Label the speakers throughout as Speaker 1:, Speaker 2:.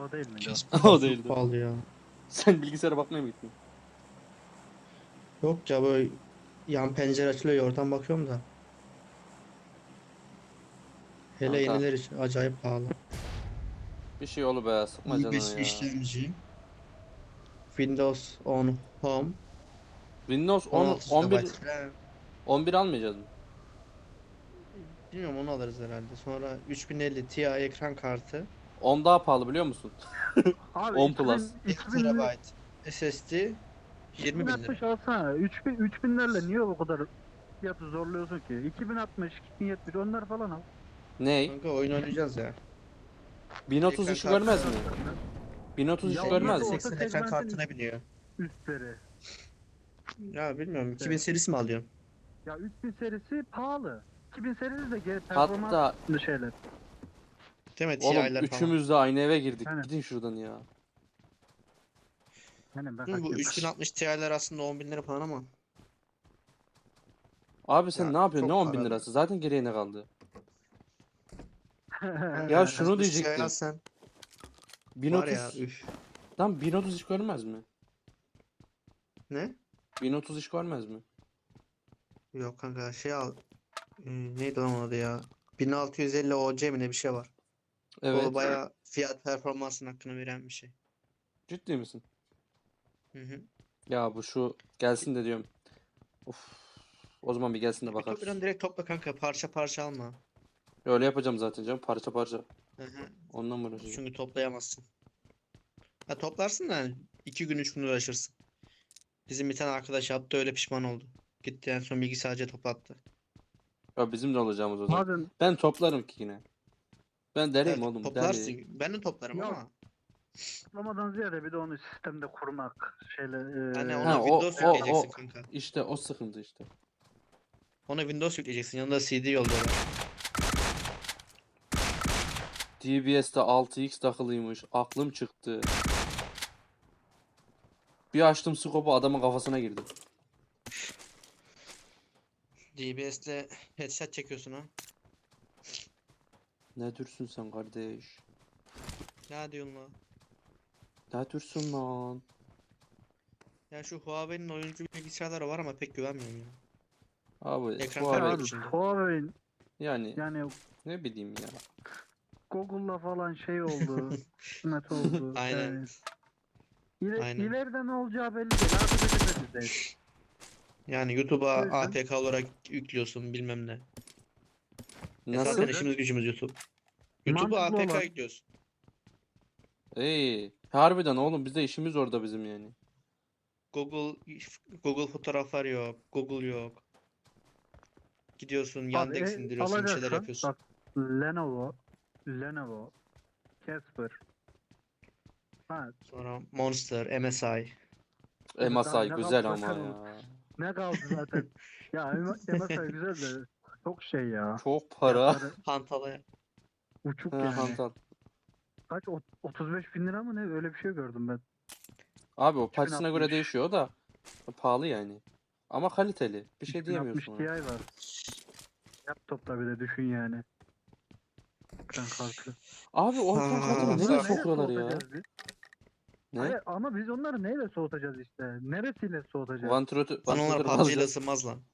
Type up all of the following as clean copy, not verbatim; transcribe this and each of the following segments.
Speaker 1: O değil miydi o?
Speaker 2: Casper
Speaker 3: O
Speaker 2: çok
Speaker 3: değildi.
Speaker 2: pahalı ya.
Speaker 3: Sen bilgisayara bakmaya mı gittin?
Speaker 2: Yok ya, böyle yan pencere açılıyor ya, oradan bakıyorum da. Hele
Speaker 3: Kanka
Speaker 2: yeniler için acayip pahalı.
Speaker 3: bir şey olu be, sıkma canını
Speaker 2: i5
Speaker 3: ya.
Speaker 2: işlemci. Windows 10 Home.
Speaker 3: Windows 10
Speaker 2: 16
Speaker 3: 11
Speaker 2: GB RAM.
Speaker 3: 11 almayacağız mı?
Speaker 2: Bilmiyorum, onu alırız herhalde. Sonra 3050 Ti ekran kartı.
Speaker 3: 10 daha pahalı biliyor musun?
Speaker 1: Abi
Speaker 3: 10 Plus.
Speaker 2: 1 TB SSD 20 bin lira.
Speaker 1: 2060 alsana. 3000'lerle niye o kadar fiyatı zorluyorsun ki? 2060, 2070 onlar falan al.
Speaker 3: Ney?
Speaker 2: Kanka oyun oynayacağız ya.
Speaker 3: 1030
Speaker 2: Ekran
Speaker 3: iş
Speaker 2: kartı
Speaker 3: görmez mi?
Speaker 2: var.
Speaker 3: 1030 iş
Speaker 1: Ya
Speaker 3: görmez
Speaker 1: onlar
Speaker 3: mi?
Speaker 1: da
Speaker 2: 80
Speaker 1: orta
Speaker 2: ekran
Speaker 1: segmentin
Speaker 2: kartına biniyor.
Speaker 1: üstleri.
Speaker 2: Ya bilmiyorum,
Speaker 1: Evet.
Speaker 2: 2000 serisi mi alıyorsun?
Speaker 1: Ya 3000 serisi pahalı. 2000 serisi de performans
Speaker 3: Hatta
Speaker 1: şeyler.
Speaker 2: Değil mi?
Speaker 3: oğlum
Speaker 2: Ti'ler falan.
Speaker 3: üçümüz de aynı eve girdik.
Speaker 1: Aynen.
Speaker 3: Gidin şuradan ya.
Speaker 1: Yani ben
Speaker 2: Hı, bu
Speaker 1: kaçıyorum.
Speaker 2: 3060 Ti'ler aslında 10 bin lira falan ama.
Speaker 3: Abi sen
Speaker 2: Ya
Speaker 3: ne yapıyorsun? Ne
Speaker 2: çok
Speaker 3: 10 bin
Speaker 2: para.
Speaker 3: lirası? Zaten geriye ne kaldı? Ya
Speaker 2: Kanka,
Speaker 3: şunu
Speaker 2: 60 Ti
Speaker 3: diyecektim.
Speaker 2: alsan var ya,
Speaker 3: 1030
Speaker 2: üf.
Speaker 3: lan 1030 iş görmez mi?
Speaker 2: Ne?
Speaker 3: 1030 iş görmez mi?
Speaker 2: Yok kanka, şey al. Neydi onun adı ya? 1650 OC mi ne bir şey var. O
Speaker 3: Evet.
Speaker 2: baya fiyat performansın hakkını veren bir şey.
Speaker 3: Ciddi misin?
Speaker 2: Hı hı.
Speaker 3: Ya bu şu gelsin de diyorum. Of. O zaman bir gelsin de
Speaker 2: Bir
Speaker 3: bakarız.
Speaker 2: direkt topla kanka, parça parça alma.
Speaker 3: Öyle yapacağım zaten canım. Parça parça.
Speaker 2: Hı hı.
Speaker 3: Ondan mı uğraşacağım?
Speaker 2: Çünkü toplayamazsın. Ha, toplarsın da 2 gün 3 gün uğraşırsın. Bizim bir tane arkadaş yaptı, öyle pişman oldu. Gitti en son bilgisayarca toplattı.
Speaker 3: Ya bizim de olacağımız o zaman.
Speaker 1: Madem
Speaker 3: Ben toplarım ki yine. Ben deliyim
Speaker 2: Evet,
Speaker 3: oğlum,
Speaker 2: toplarsın.
Speaker 3: deli.
Speaker 2: Ben de toplarım
Speaker 1: ya
Speaker 2: ama.
Speaker 1: toplamadan ziyade bir de onu sistemde kurmak şeyle
Speaker 2: Hani
Speaker 3: Ha
Speaker 2: ona Windows yükleyeceksin kanka.
Speaker 3: işte o sıkıntı işte.
Speaker 2: Ona Windows yükleyeceksin. Yanında CD yolluyorlar.
Speaker 3: DBS'de 6x takılıymış. Aklım çıktı. Bir açtım skopu, adamın kafasına girdim.
Speaker 2: DBS'le headshot çekiyorsun ha.
Speaker 3: Ne dürsün sen kardeş?
Speaker 2: Ne diyorsun lan?
Speaker 3: Ne dürsün lan?
Speaker 2: Ya şu Huawei'nin oyuncu bilgisayarları var ama pek güvenmiyorum ya.
Speaker 3: Abi
Speaker 2: Ekran
Speaker 3: bu
Speaker 2: kartı
Speaker 3: abi
Speaker 2: yok
Speaker 1: abi
Speaker 2: içinde.
Speaker 1: Huawei'in
Speaker 3: yani
Speaker 1: yani
Speaker 3: ne bileyim ya.
Speaker 1: Google'la falan şey oldu. Hizmet oldu.
Speaker 2: Aynen.
Speaker 1: Yani
Speaker 2: Aynen.
Speaker 1: ileride ne olacağı belli değil. Abi de belli değil.
Speaker 2: Yani YouTube'a
Speaker 1: O yüzden
Speaker 2: APK olarak yüklüyorsun bilmem ne.
Speaker 3: Nasıl?
Speaker 2: Zaten
Speaker 1: öyle.
Speaker 2: işimiz gücümüz YouTube. YouTube'a
Speaker 1: Mantıklı
Speaker 2: APK
Speaker 1: olan
Speaker 2: yüklüyorsun.
Speaker 3: Harbiden oğlum, bizde işimiz orada bizim yani.
Speaker 2: Google Google fotoğraflar yok. Google yok. Gidiyorsun
Speaker 1: abi
Speaker 2: Yandex indiriyorsun, bir şeyler
Speaker 1: alacaksın.
Speaker 2: yapıyorsun.
Speaker 1: Bak Lenovo, Casper. Ha,
Speaker 2: Sonra Monster, MSI.
Speaker 1: daha
Speaker 3: MSI
Speaker 1: ne kaldı
Speaker 3: güzel ama
Speaker 1: zaten oğlum?
Speaker 3: ya.
Speaker 1: Ne kaldı zaten? Ya MSI güzel de çok şey ya.
Speaker 3: Çok para.
Speaker 1: Fiyatları
Speaker 2: Pantala.
Speaker 1: uçuk
Speaker 3: Ha,
Speaker 1: yani.
Speaker 3: hantal.
Speaker 1: Kaç? 35 bin lira mı ne? Öyle bir şey gördüm ben.
Speaker 3: Abi o paçısına göre
Speaker 1: 3060.
Speaker 3: değişiyor da pahalı yani. Ama kaliteli. Bir şey
Speaker 1: 3060
Speaker 3: diyemiyorsun
Speaker 1: Ti
Speaker 3: ona.
Speaker 1: var. Laptopta bir de düşün yani. Ekran kartı.
Speaker 3: Abi o ekran kartını nereye
Speaker 1: Onları neyle
Speaker 3: sokuyorlar ya?
Speaker 1: soğutacağız biz?
Speaker 3: Ne?
Speaker 1: Hayır ama biz onları neyle soğutacağız işte? Neresiyle soğutacağız?
Speaker 3: Vantilatör,
Speaker 2: Lan onlar
Speaker 3: vantilatör
Speaker 2: PUBG ile
Speaker 3: alacağız.
Speaker 2: ısınmaz lan.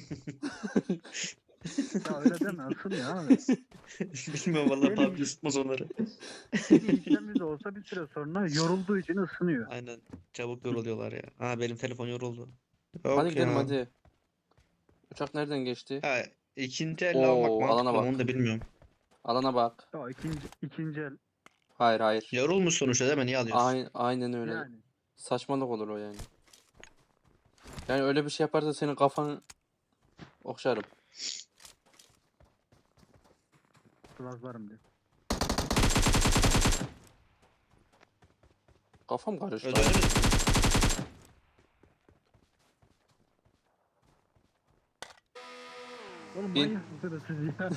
Speaker 1: Ya öyle deme ısınıyor abi.
Speaker 2: Bilmiyorum vallahi,
Speaker 1: En
Speaker 2: PUBG
Speaker 1: iyi,
Speaker 2: ısıtmaz onları.
Speaker 1: en iyi işlemci de olsa bir süre sonra yorulduğu için ısınıyor.
Speaker 2: Aynen. Çabuk yoruluyorlar ya. Ha, benim telefon yoruldu.
Speaker 3: Hadi
Speaker 2: Yok
Speaker 3: gidelim
Speaker 2: ya.
Speaker 3: hadi. Uçak nereden geçti?
Speaker 2: Ha, ikinci el almak
Speaker 3: Oo, alana
Speaker 2: mantıklı mı
Speaker 3: bak.
Speaker 2: onu da bilmiyorum.
Speaker 3: Alana bak.
Speaker 1: Ya ikinci el
Speaker 3: Hayır hayır.
Speaker 2: Yorulmuş sonuçta değil mi? Niye alıyorsun?
Speaker 3: Aynen öyle.
Speaker 1: yani.
Speaker 3: Saçmalık olur o yani. Yani öyle bir şey yaparsa senin kafanı okşarım.
Speaker 1: Sıvazlarım diye.
Speaker 3: Kafam karıştı.
Speaker 2: Öldürdünüz mü?
Speaker 1: Oğlum
Speaker 3: İn.
Speaker 1: manyak mısınız siz ya?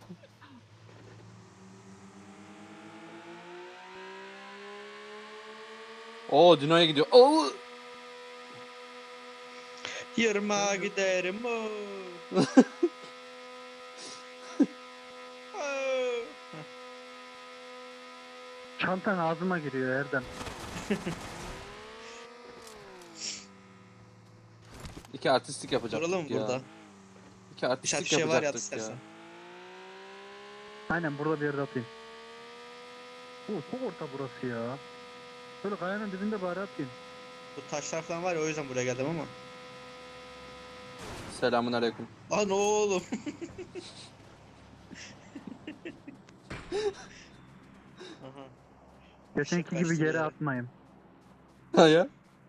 Speaker 3: Oo, Dino'ya gidiyor. Oo!
Speaker 2: Yırmağa giderim o.
Speaker 1: Çantan ağzıma giriyor Erdem.
Speaker 3: İki artistik yapacaktık
Speaker 2: Duralım mı
Speaker 3: ya.
Speaker 2: burada?
Speaker 3: İki artistik
Speaker 2: Bir şey var ya, at
Speaker 3: yapacaktık ya.
Speaker 2: istersen.
Speaker 1: Aynen burada bir yerde atayım. Çok orta burası ya. Böyle kayanın dibinde bari atayım.
Speaker 2: Bu taşlar falan var ya, o yüzden buraya geldim ama.
Speaker 3: Selamun aleyküm.
Speaker 2: Ne oğlum? Aha.
Speaker 1: Geçenki gibi
Speaker 2: kaçtı
Speaker 1: geri
Speaker 2: be.
Speaker 1: atmayayım.
Speaker 3: Ha ya.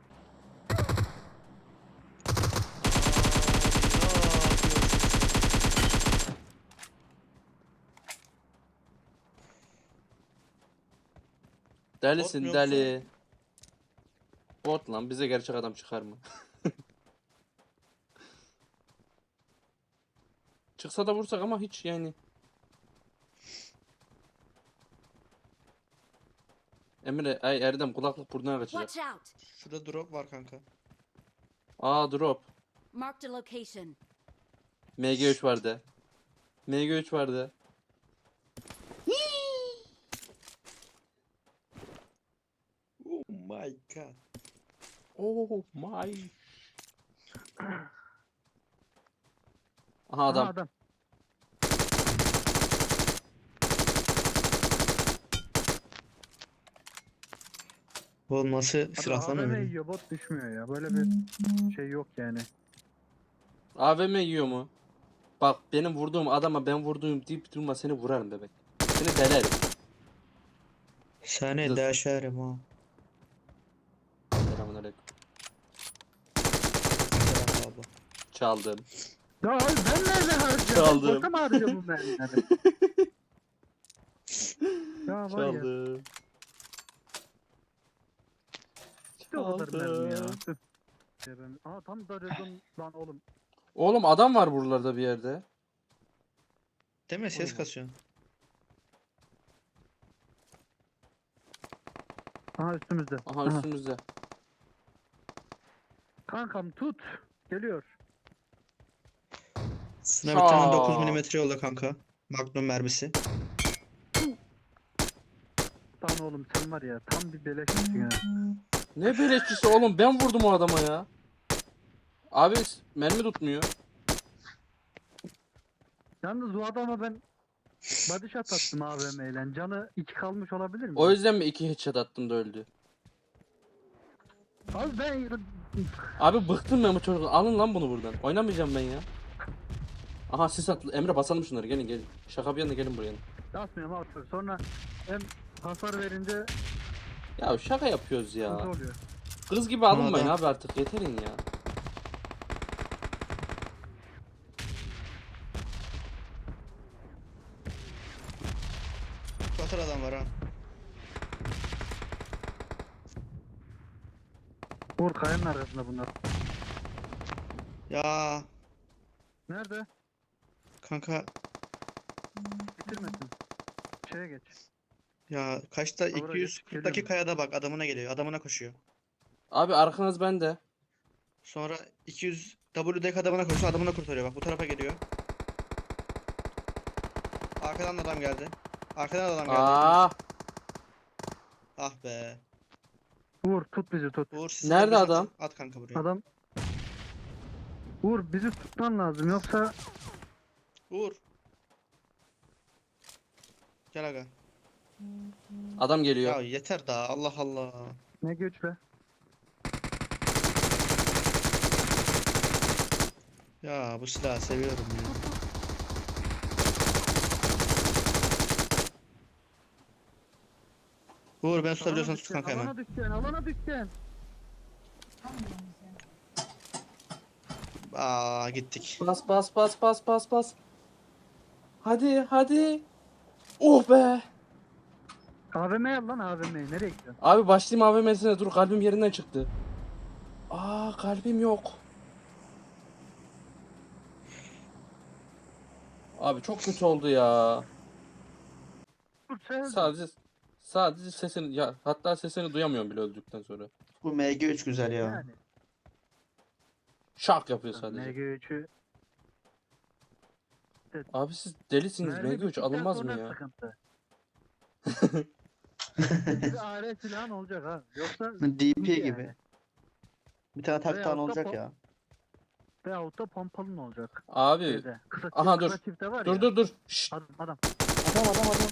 Speaker 3: Delisin
Speaker 2: Bot mu
Speaker 3: deli. Bot lan, bize gerçek adam çıkar mı? Çıksa da vursak ama hiç yani. Emre, ay Erdem, kulaklık burnuna kaçacak.
Speaker 4: Watch out!
Speaker 2: Şurada drop var kanka.
Speaker 3: Aa, drop.
Speaker 4: Marked a location.
Speaker 3: MG3 vardı. MG3 vardı.
Speaker 2: Oh my god.
Speaker 3: Oh my. Aha
Speaker 1: Aha,
Speaker 3: adam.
Speaker 1: adam.
Speaker 2: Bu nasıl
Speaker 1: Adam
Speaker 2: silahlanıyor
Speaker 1: AVM
Speaker 2: böyle?
Speaker 1: yiyor, bot düşmüyor ya. Böyle bir şey yok yani.
Speaker 3: AVM yiyor mu? Bak, benim vurduğum adama ben vurduğum deyip durma, seni vurarım bebek. Seni delerim.
Speaker 2: Seni
Speaker 3: Dur.
Speaker 2: deşerim ha.
Speaker 3: Selamünaleyküm.
Speaker 2: Selam abla.
Speaker 3: Çaldım.
Speaker 1: Ya abi ben nerede harcıyorum?
Speaker 3: Çaldım.
Speaker 1: Boşa mı harcıyor bu mermileri? Ya var ya.
Speaker 3: Çaldım.
Speaker 1: İşte o kadar mermi ya.
Speaker 3: Çaldım.
Speaker 1: Tüh. Aa tam da rezon lan oğlum.
Speaker 3: Oğlum adam var buralarda bir yerde.
Speaker 2: Değil mi? Ses
Speaker 3: Oğlum.
Speaker 2: kasıyorsun.
Speaker 1: Aha üstümüzde.
Speaker 3: Aha üstümüzde.
Speaker 1: Kankam tut. Geliyor.
Speaker 2: Sana bir tane
Speaker 3: Sağ.
Speaker 2: 9 mm yolla kanka. Magnum mermisi.
Speaker 1: Lan oğlum sen var ya tam bir beleşmişsin ya.
Speaker 3: Ne beleşçisi oğlum, ben vurdum o adama ya. Abi mermi tutmuyor.
Speaker 1: Yalnız o adama ben body shot attım AVM ile. Canı 2 kalmış olabilir mi?
Speaker 3: O yüzden mi iki headshot attım da öldü?
Speaker 1: Abi ben
Speaker 3: Abi bıktım ben bu çocuktan. Alın lan bunu buradan. Oynamayacağım ben ya. Aha sis attı. Emre basalım şunları, gelin gelin. Şaka bir yana gelin buraya.
Speaker 1: basmıyorum abi. Sonra hem hasar verince
Speaker 3: Ya şaka yapıyoruz
Speaker 1: sıkıntı
Speaker 3: ya.
Speaker 1: oluyor.
Speaker 3: Kız gibi alınmayın
Speaker 2: Adam.
Speaker 3: abi, artık yeterin ya.
Speaker 2: Batır adam var ha.
Speaker 1: Uğur kayanın arkasında bunlar.
Speaker 2: Ya
Speaker 1: Nerede?
Speaker 2: kanka,
Speaker 1: Bitirmesin. Şeye geç.
Speaker 2: ya kaçta?
Speaker 1: Kavra geç,
Speaker 2: 240'daki
Speaker 1: geliyorum.
Speaker 2: kayada bak, adamına geliyor. Adamına koşuyor.
Speaker 3: Abi arkanız bende.
Speaker 2: Sonra 200 WD adamına koşuyor. Adamına kurtarıyor. Bak bu tarafa geliyor. Arkadan da adam geldi. Arkadan da adam geldi.
Speaker 3: Aa,
Speaker 2: Ah be.
Speaker 1: Uğur tut bizi tut.
Speaker 2: Uğur siz
Speaker 3: Nerede
Speaker 2: bir at-
Speaker 3: adam?
Speaker 2: At kanka buraya.
Speaker 1: Adam. Uğur bizi tutman lazım yoksa
Speaker 2: Uğur. Gel aga.
Speaker 3: adam geliyor.
Speaker 2: Ya yeter daha. Allah Allah.
Speaker 1: ne güç be.
Speaker 2: Ya bu silahı seviyorum ya. Uğur ben tutabiliyorsan tut kanka hemen.
Speaker 1: Alana düşeceksin, alana düşeceksin.
Speaker 2: Gittik.
Speaker 3: Bas bas bas bas bas bas. Hadi hadi. Oh be.
Speaker 1: AVM'ye al lan AVM'yi. Nereye gidiyorsun?
Speaker 3: Abi başlayayım AVM'sine, dur kalbim yerinden çıktı. Aa, kalbim yok. Abi çok kötü oldu ya.
Speaker 1: Dur sen.
Speaker 3: Sadece sesini, ya hatta sesini duyamıyorum bile öldükten sonra.
Speaker 2: Bu MG3 güzel ya.
Speaker 1: Yani.
Speaker 3: Şak yapıyor sadece.
Speaker 1: MG3'ü
Speaker 3: Abi siz delisiniz,
Speaker 1: mermi
Speaker 3: MG3
Speaker 1: bittikten
Speaker 3: alınmaz mı
Speaker 1: sonra
Speaker 3: ya?
Speaker 1: sıkıntı. Bir AR silahın olacak ha. Yoksa
Speaker 2: DP
Speaker 1: yani.
Speaker 2: gibi. Bir tane taktan
Speaker 1: Veyahut da
Speaker 2: olacak ya.
Speaker 1: veyahut da pompalın olacak.
Speaker 3: Abi.
Speaker 1: Şeyde.
Speaker 3: Aha,
Speaker 1: kısa
Speaker 3: dur.
Speaker 1: çifte var
Speaker 3: Dur
Speaker 1: ya.
Speaker 3: dur dur. Şşt.
Speaker 1: Adam.
Speaker 2: Adam adam adam.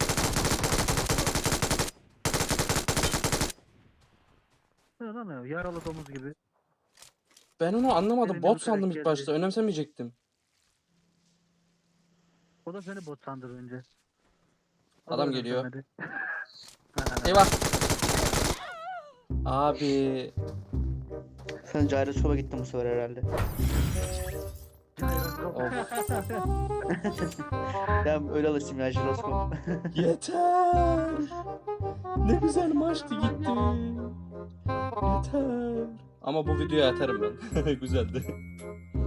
Speaker 1: Ne lan o? Yaralı domuz gibi.
Speaker 3: Ben onu anlamadım.
Speaker 1: Elini
Speaker 3: Bot
Speaker 1: tutarak
Speaker 3: sandım ilk
Speaker 1: geldi.
Speaker 3: başta. Önemsemeyecektim.
Speaker 1: O da seni bot sandı önce. O da
Speaker 3: Adam geliyor.
Speaker 1: önemsemedi.
Speaker 3: Eyvah. Abi.
Speaker 2: Sen Gyroskop'a gittin bu sefer herhalde. Ya öyle alıştım ya jiroskop.
Speaker 3: Yeter. Ne güzel maçtı gitti. Yeter. Ama bu videoya atarım ben. Güzeldi.